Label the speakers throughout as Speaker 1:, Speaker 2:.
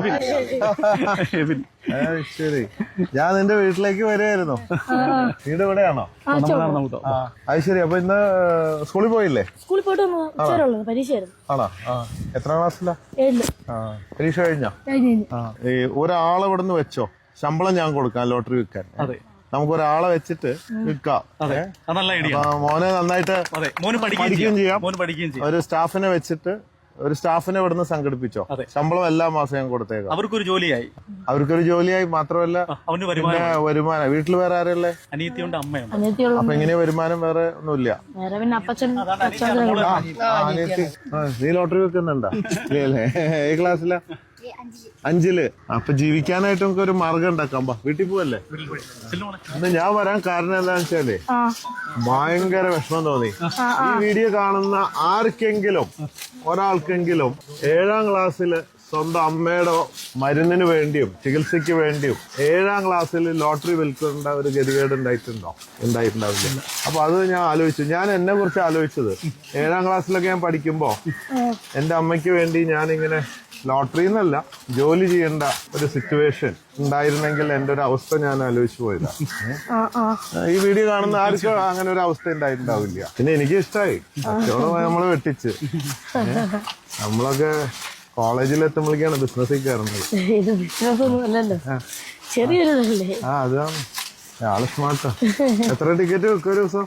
Speaker 1: ശരി, ഞാൻ നിന്റെ വീട്ടിലേക്ക് വരുമായിരുന്നു. വീട് ഇവിടെയാണോ? അത് ശരി. അപ്പൊ ഇന്ന് സ്കൂളിൽ പോയില്ലേ?
Speaker 2: സ്കൂളിൽ പോയിട്ട് പരീക്ഷയായിരുന്നു.
Speaker 1: ആണോ? എത്രാം ക്ലാസ്സിലാ? പരീക്ഷ കഴിഞ്ഞോ? ഈ ഒരാളെ ഇവിടെ നിന്ന് വെച്ചോ, ശമ്പളം ഞാൻ കൊടുക്കാം ലോട്ടറി വിൽക്കാൻ. നമുക്ക് ഒരാളെ വെച്ചിട്ട് വിൽക്കാം. മോനെ നന്നായിട്ട് പഠിക്കുകയും ചെയ്യാം. ഒരു സ്റ്റാഫിനെ വെച്ചിട്ട് ഒരു സ്റ്റാഫിനെ ഇവിടുന്ന് സംഘടിപ്പിച്ചോ. ശമ്പളം എല്ലാ മാസം ഞാൻ കൊടുത്തേക്കാം.
Speaker 3: അവർക്കൊരു ജോലിയായി
Speaker 1: മാത്രമല്ല വരുമാനം. വീട്ടിൽ വേറെ ആരല്ലേ?
Speaker 3: അനിയത്തിയുണ്ട്, അമ്മയുണ്ട്.
Speaker 1: അപ്പൊ എങ്ങനെയാ വരുമാനം? വേറെ ഒന്നുമില്ല. നീ ലോട്ടറി വെക്കുന്നുണ്ടോ? ഇല്ലേ? ഏത് ക്ലാസ്സിലാ? 5-ല്. അപ്പൊ ജീവിക്കാനായിട്ട് നമുക്ക് ഒരു മാർഗം ഉണ്ടാക്കാം. വീട്ടിൽ പോവല്ലേ? ഇന്ന് ഞാൻ വരാൻ കാരണം എന്താണെന്ന് വെച്ചാലേ ഭയങ്കര വിഷമം തോന്നി. ഈ വീഡിയോ കാണുന്ന ആർക്കെങ്കിലും ഒരാൾക്കെങ്കിലും 7ാം ക്ലാസ്സിൽ സ്വന്തം അമ്മയുടെ മരുന്നിന് വേണ്ടിയും ചികിത്സയ്ക്ക് വേണ്ടിയും 7ാം ക്ലാസ്സിൽ ലോട്ടറി വിൽക്കേണ്ട ഒരു ഗതികേട് ഉണ്ടായിട്ടുണ്ടാവില്ല. അപ്പൊ അത് ഞാൻ ആലോചിച്ചു. ഞാൻ എന്നെ കുറിച്ച് ആലോചിച്ചത് 7ാം ക്ലാസ്സിലൊക്കെ ഞാൻ പഠിക്കുമ്പോ എന്റെ അമ്മയ്ക്ക് വേണ്ടി ഞാനിങ്ങനെ ലോട്ടറി എന്നല്ല, ജോലി ചെയ്യേണ്ട ഒരു സിറ്റുവേഷൻ ഉണ്ടായിരുന്നെങ്കിൽ എന്റെ ഒരു അവസ്ഥ ഞാൻ ആലോചിച്ചു പോയതാ. ഈ വീഡിയോ കാണുന്ന ആർക്കും അങ്ങനെ ഒരു അവസ്ഥ ഉണ്ടായിട്ടുണ്ടാവില്ല. പിന്നെ എനിക്ക് ഇഷ്ടമായി. കച്ചവടം നമ്മള് വെട്ടിച്ച്. നമ്മളൊക്കെ കോളേജിലെത്തുമ്പോഴേക്കാണ് ബിസിനസ്സിൽ കയറുന്നത്. അതാണ് ആള് സ്മാർട്ടാ. എത്ര ടിക്കറ്റ് വെക്കും ഒരു ദിവസം?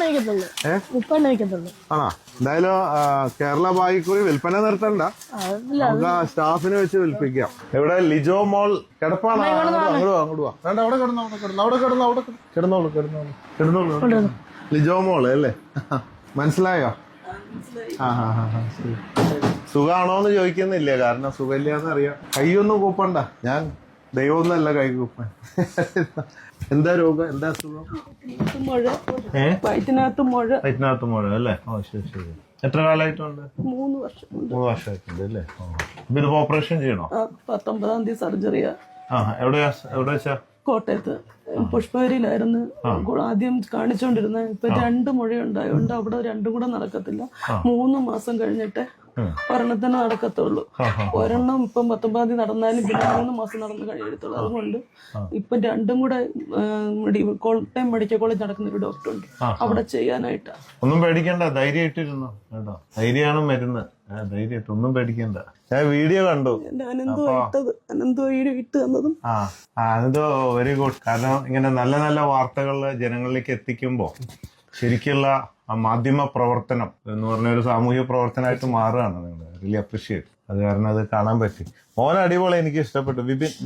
Speaker 2: 30
Speaker 1: ആണോ? എന്തായാലും കേരള ബായിക്കുറി വിൽപ്പന നിർത്തണ്ട, നമുക്ക് സ്റ്റാഫിനെ വെച്ച് വിൽപ്പിക്കാം. ഇവിടെ ലിജോ മോൾ കിടപ്പാണ്. അങ്ങോട്ട് കിടന്നോളൂ. ലിജോ മോള് അല്ലേ? മനസ്സിലായോ? സുഖാണോന്ന് ചോദിക്കുന്നില്ല, കാരണം സുഖമില്ലാന്ന് അറിയാം. കൈയൊന്നും കൂപ്പണ്ട. ഞാൻ ദൈവമൊന്നല്ല കൈ കൂപ്പാൻ. എന്താ രോഗം? എന്താ അസുഖം?
Speaker 2: വയറ്റിനകത്ത്
Speaker 1: മുഴ അല്ലേ? ശരി. എത്ര കാലമായിട്ടുണ്ട്? 3 വർഷമായിട്ടുണ്ട് അല്ലേ? ഇത് ഓപ്പറേഷൻ ചെയ്യണോ?
Speaker 2: 19-ാം തീയതി സർജറിയാ.
Speaker 1: എവിടെയാ വെച്ചാ?
Speaker 2: കോട്ടയത്ത് പുഷ്പഗിരിയിലായിരുന്നു ആദ്യം കാണിച്ചോണ്ടിരുന്നത്. ഇപ്പൊ 2 മുഴയുണ്ടായോണ്ട് അവിടെ 2 കൂടെ നടക്കത്തില്ല. 3 മാസം കഴിഞ്ഞിട്ട് ഒരെണ്ണത്തിന് നടക്കത്തുള്ളൂ. ഒരെണ്ണം ഇപ്പം 19-ാം തീയതി നടന്നാലും പിന്നെ 3 മാസം നടന്ന് കഴിയത്തുള്ളൂ. അതുകൊണ്ട് ഇപ്പൊ 2 കൂടെ കോട്ടയം മെഡിക്കൽ കോളേജ് നടക്കുന്ന ഒരു ഡോക്ടർ ഉണ്ട്, അവിടെ ചെയ്യാനായിട്ടാ.
Speaker 1: ഒന്നും പേടിക്കണ്ട, ധൈര്യമായിട്ടിരുന്നു കേട്ടോ. ധൈര്യമാണ് മരുന്ന്. ധൈര്യമായിട്ട് ഒന്നും പേടിക്കണ്ട. ഞാൻ വീഡിയോ കണ്ടു.
Speaker 2: അനന്തോ വീഡിയോ ഇട്ട് തന്നതും
Speaker 1: അനന്തോ വെരി ഗുഡ്. കാരണം ഇങ്ങനെ നല്ല നല്ല വാർത്തകൾ ജനങ്ങളിലേക്ക് എത്തിക്കുമ്പോ ശരിക്കുള്ള ആ മാധ്യമ പ്രവർത്തനം എന്ന് പറഞ്ഞ ഒരു സാമൂഹ്യ പ്രവർത്തനമായിട്ട് മാറുകയാണ്. നിങ്ങൾ റിയലി അപ്രീഷിയേറ്റ്. അത് കാരണം അത് കാണാൻ പറ്റി. മോൻ അടിപൊളി, എനിക്ക് ഇഷ്ടപ്പെട്ടു.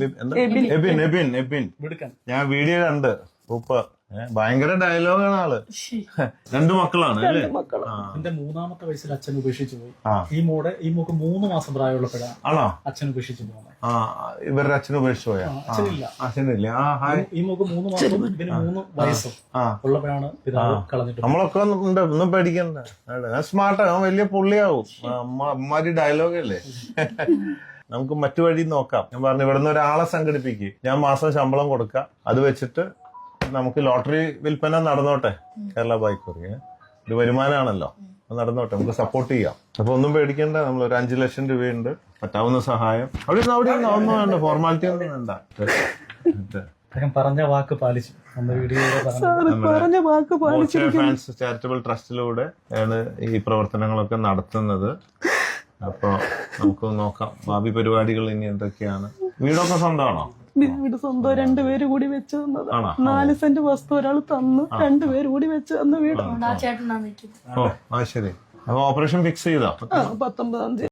Speaker 1: എബിൻ ഞാൻ വീഡിയോ കണ്ട്. ഭയങ്കര ഡയലോഗാണ് ആള്. 2 മക്കളാണ് അല്ലേ?
Speaker 3: എന്റെ 3ാമത്തെ വയസ്സിൽ അച്ഛൻ ഉപേക്ഷിച്ചു പോയി. ഈ മോക്ക് 3 മാസം പ്രായമുള്ളപ്പോഴാണ്
Speaker 1: ആണോ
Speaker 3: അച്ഛൻ ഉപേക്ഷിച്ചു പോകുന്നത്.
Speaker 1: ഇവരുടെ അച്ഛൻ ഉപേക്ഷിച്ചു പോയാ? അച്ഛനില്ല.
Speaker 3: ഈ മോക്ക് 3 മാസം പിന്നെ 3 വയസ്സും ഉള്ളപ്പോഴാണ് പിതാവ് കളഞ്ഞിട്ട്.
Speaker 1: നമ്മളൊക്കെ ഉണ്ട്, ഒന്നും പേടിക്കണ്ട. സ്മാർട്ടാ, വലിയ പുള്ളിയാവും. അമ്മാരി ഡയലോഗല്ലേ. നമുക്ക് മറ്റു വഴി നോക്കാം. ഞാൻ പറഞ്ഞു, ഇവിടുന്ന് ഒരാളെ സംഘടിപ്പിക്കും, ഞാൻ മാസം ശമ്പളം കൊടുക്കാം, അത് വെച്ചിട്ട് നമുക്ക് ലോട്ടറി വിൽപ്പന നടന്നോട്ടെ. കേരള ബായിക്കുറി ഒരു വരുമാനമാണല്ലോ, നടന്നോട്ടെ, നമുക്ക് സപ്പോർട്ട് ചെയ്യാം. അപ്പൊ ഒന്നും പേടിക്കണ്ട. നമ്മൾ ഒരു 5 ലക്ഷം രൂപയുണ്ട്, പറ്റാവുന്ന സഹായം. അവിടെ ഒന്നും വേണ്ട, ഫോർമാലിറ്റി ഒന്നും വേണ്ട.
Speaker 3: പറഞ്ഞ വാക്ക് പാലിച്ചു.
Speaker 1: ഫാൻസ് ചാരിറ്റബിൾ ട്രസ്റ്റിലൂടെ ആണ് ഈ പ്രവർത്തനങ്ങളൊക്കെ നടത്തുന്നത്. അപ്പൊ നമുക്ക് നോക്കാം ഭാവി പരിപാടികൾ ഇനി എന്തൊക്കെയാണ്. വീടൊക്കെ സ്വന്തമാണോ?
Speaker 2: വീട് സ്വന്തം. 2 പേര് കൂടി വെച്ച് തന്നത്. 4 സെന്റ് വസ്തു ഒരാൾ തന്നു, 2 പേര് കൂടി വെച്ച് തന്ന വീട്.
Speaker 1: ശരി. അപ്പൊ ഓപ്പറേഷൻ ഫിക്സ് ചെയ്താ? 19-ാം തീയതി.